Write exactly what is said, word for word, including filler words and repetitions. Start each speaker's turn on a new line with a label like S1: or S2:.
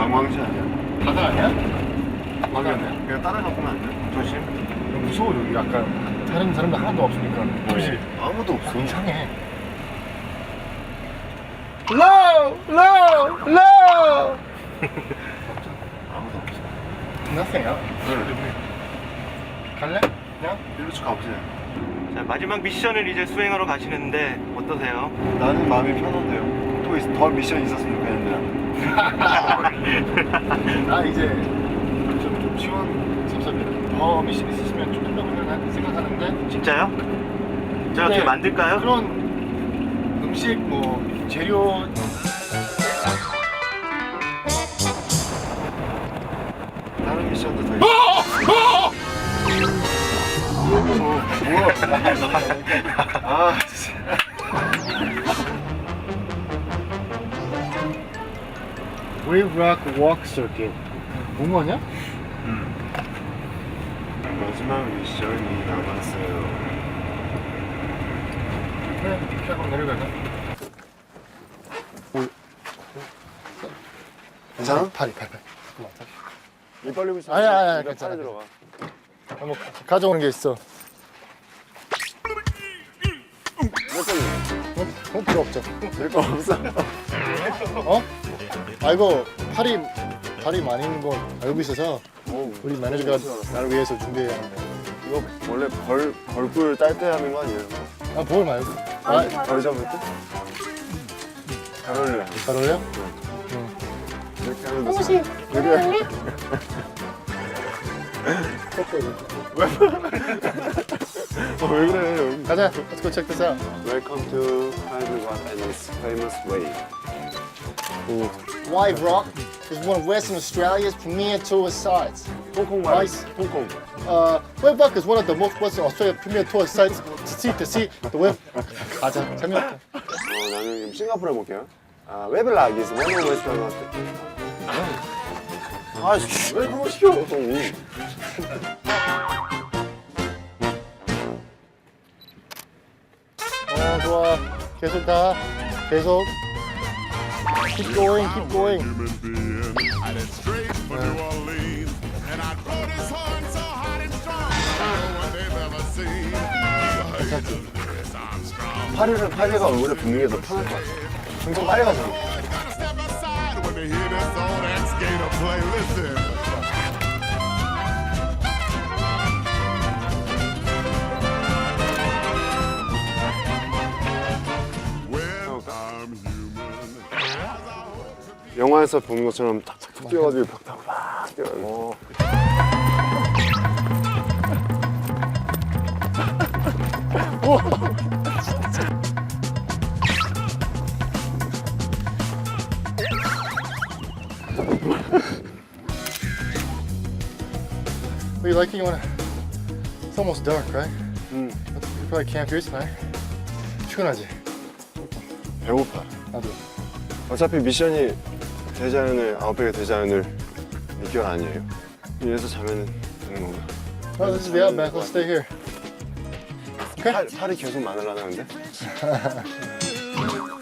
S1: 망망지 아니야?
S2: 바다 아니야?
S1: 망했네. 그냥 따라가 보면 안 돼? 조심.
S2: 무서워 여기 약간 다른 사람들 하나도 없으니까. 그렇지.
S1: 아무도 없어.
S2: 이상해. Low, low, low.
S1: 아무도 없어.
S2: Nothing.
S1: 응.
S2: 갈래? 그냥?
S1: 일로 쭉 가보세요.
S3: 자, 마지막 미션을 이제 수행하러 가시는데 어떠세요?
S1: 나는 마음이 편한데요. 또 있- 더 미션 있었으면 좋겠는데.
S2: 나 이제 좀, 좀 시원섭섭해. 더 미션 있으면 좀 된다고 생각- 생각하는데
S3: 진짜요? 제가 어떻게
S2: 네.
S3: 만들까요?
S2: 그런 음식 뭐 재료
S1: 다른 미션도 더 있어. 뭐야? 아, 진짜.
S2: Wave Rock Walk Circuit. 공원이야?
S1: 마지막 미션이 남았어요.
S2: 그래, 이렇게 한번 내려가자.
S1: 괜찮아?
S2: 팔이, 팔, 팔.
S1: 입 벌리고 있어.
S2: 아니야, 아니야,
S1: 입에
S2: 괜찮아.
S1: 팔이 들어가.
S2: 한번 가져오는 게 있어.
S1: 몇 번이야?
S2: 어? 어? 필요 없죠.
S1: 내거 없어.
S2: 어? 아 이거 팔이 팔이 많이 있는 거 알고 있어서
S1: 오,
S2: 우리 매니저가 나를 위해서 준비해야 하는 거.
S1: 이거 원래 벌 벌꿀 딸 때 하는 거 아니에요?
S2: 아, 볼 말고. 아,
S1: 벌 잡을 때? 잘 어울려.
S2: 잘 어울려?
S1: 이렇게 하면 돼.
S4: 혹시
S1: 그래. 어, 왜 그래? 여기.
S2: 가자. Let's go check this out.
S1: Welcome to Hyde Rock and its famous way.
S2: Wave Rock is one of Western Australia's premier tourist sites.
S1: 홍콩
S2: 말-
S1: 말이지. 홍콩.
S2: Uh, Wave Rock is one of the most Western Australia premier tourist sites to see to see the wave. 가자. 재미없다.
S1: 어, 나는 싱가포르 해볼게요. 아, 웨블락 is one of Western 아, 씨, 왜 그거 시켜?
S2: 어, 좋아. 계속 가. 계속. Keep going, keep going.
S5: Human being. I did straight for New Orleans, and I rode his horn so hot and strong. No one they've ever seen. You heard of Louis Armstrong.
S1: 파리를 파리가 얼굴에 붙는 게 더 편할 것 같아. 엄청 빨리 가잖아.
S5: Gotta step aside when they hear this old ex-skater play. Listen. Well, I'm human.
S1: 영화에서 보는 것처럼 탁탁 뛰어가지고 벽 타고 막 뛰어가지고.
S2: What are you liking? You wanna? It's almost dark, right?
S1: 응.
S2: You probably camp here tonight. 피곤하지?
S1: 배고파.
S2: 나도.
S1: 어차피 미션이 대자연을 아웃백의 대자연을 미결 아니에요. 여기서 자면 되는 건가?
S2: Oh, this is the outback. Let's stay here. Okay.
S1: 팔, 팔이 계속 마늘나는데?